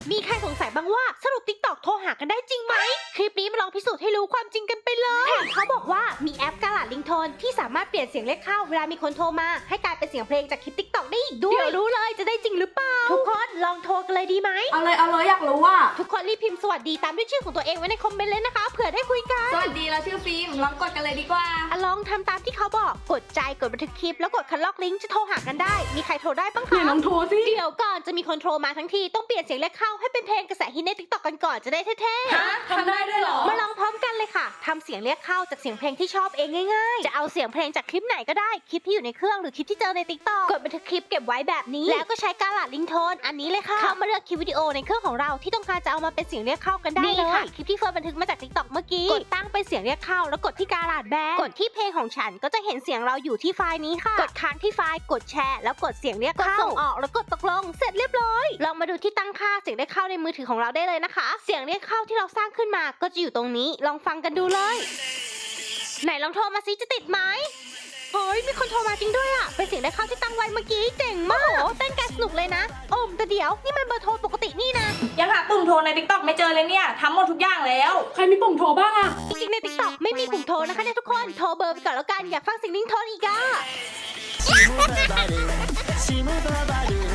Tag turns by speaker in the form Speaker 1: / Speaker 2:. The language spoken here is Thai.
Speaker 1: มีใครสงสัยบ้างว่าสรุป TikTok โทรหากันได้จริงไหมคลิปนี้มาลองพิสูจน์ให้รู้ความจริงกันไปเลยแถมเขาบอกว่ามีแอปกาลาดลิงโทนที่สามารถเปลี่ยนเสียงเรียกเข้าเวลามีคนโทรมาให้กลายเป็นเสียงเพลงจากคลิป TikTok ได้อีกด้วยเดี๋ยวรู้เลยจะได้จริงหรือเปล่าทุกคนลองโทรกันเลยดีไหม
Speaker 2: เอาเลยอยากรู้ว่า
Speaker 1: ทุกคนรีบพิมพ์สวัสดีตามด้วยชื่อของตัวเองไว้ในคอมเมนต์เลยนะคะเผื่อได้คุยกัน
Speaker 2: สวัสดีเราชื่อฟิล์มลองกดกันเลยดีกว่า
Speaker 1: ลองทำตามที่เขาบอกกดใจกดบันทึกคลิปแล้วกดคัดลอกลิงก์จะโทรหากันได้มีใครโทรได้บ้างคะ
Speaker 2: ลองโทรสิ
Speaker 1: เดี๋ยวก่อนจะมีคนโทรมาทั้งทีต้องเปลี่ยนเสียงเรียกเข้าให้เป็นเพลงกระแสฮิตใน TikTok กันก่อนจะได้เท่
Speaker 2: ๆทำได้ด้วยเหรอ
Speaker 1: มาลองพร้อมกันเลยค่ะทำเสียงเรียกเข้าจากเสียงเพลงที่ชอบเองง่ายๆจะเอาเสียงเพลงจากคลิปไหนก็ได้คลิปที่อยู่ในเครื่องหรือคลิปที่เจอใน TikTok กดบันทึกคลิปเก็บไว้แบบนี้แล้วก็ใช้กาลาดลิงโทนอันนี้เลยค่ะเข้ามาเลือกคลิปวิดีโอในเครื่องของเราที่ต้องการจะเอามาเป็นเสียงเรียกเข้ากันได้เลยค่ะคลิปที่เฟิร์นบันทึกมาจาก TikTok เมื่อกี้กดตั้งเป็นเสียงเรียกเข้าแล้วกดที่กาลาดแบนกดที่เพลงของฉันก็จะเห็นเสียงเราอยู่ที่ไฟล์นี้ค่ะกดค้างที่ไฟล์กดแชร์แล้วกดเสียงเรียกเข้าส่งออกแล้วกดตกลงเสร็จเรียบร้อยลองมาดูที่ตั้งค่าเสียงเรียกเข้าในมือถือของเราได้เลยนะคะเสียงเรียกเข้าที่เราสร้างขึ้นมาก็จะอยู่ตรงนี้ลองฟังกันดูเลยไหนลองโทรมาซิจะติดไหมเฮ้ยมีคนโทรมาจริงด้วยอ่ะเป็นเสียงเรียกเข้าที่ตั้งไว้เมื่อกี้เจ๋งมากโอ้เต้นกันสนุกเลยนะแต่เดี๋ยวนี่มันเบอร์โทรปกตินี่นะ
Speaker 2: ยังหาปุ่มโทรใน TikTok ไม่เจอเลยเนี่ยทำหมดทุกอย่างแล้วใครมีปุ่มโทรบ้างอะ
Speaker 1: จริงๆใน TikTok ไม่มีปุ่มโทรนะคะเนี่ยทุกคนโทรเบอร์ไปก่อนแล้วกันอยากฟังเสียงลิงโทนอีกอ่ะ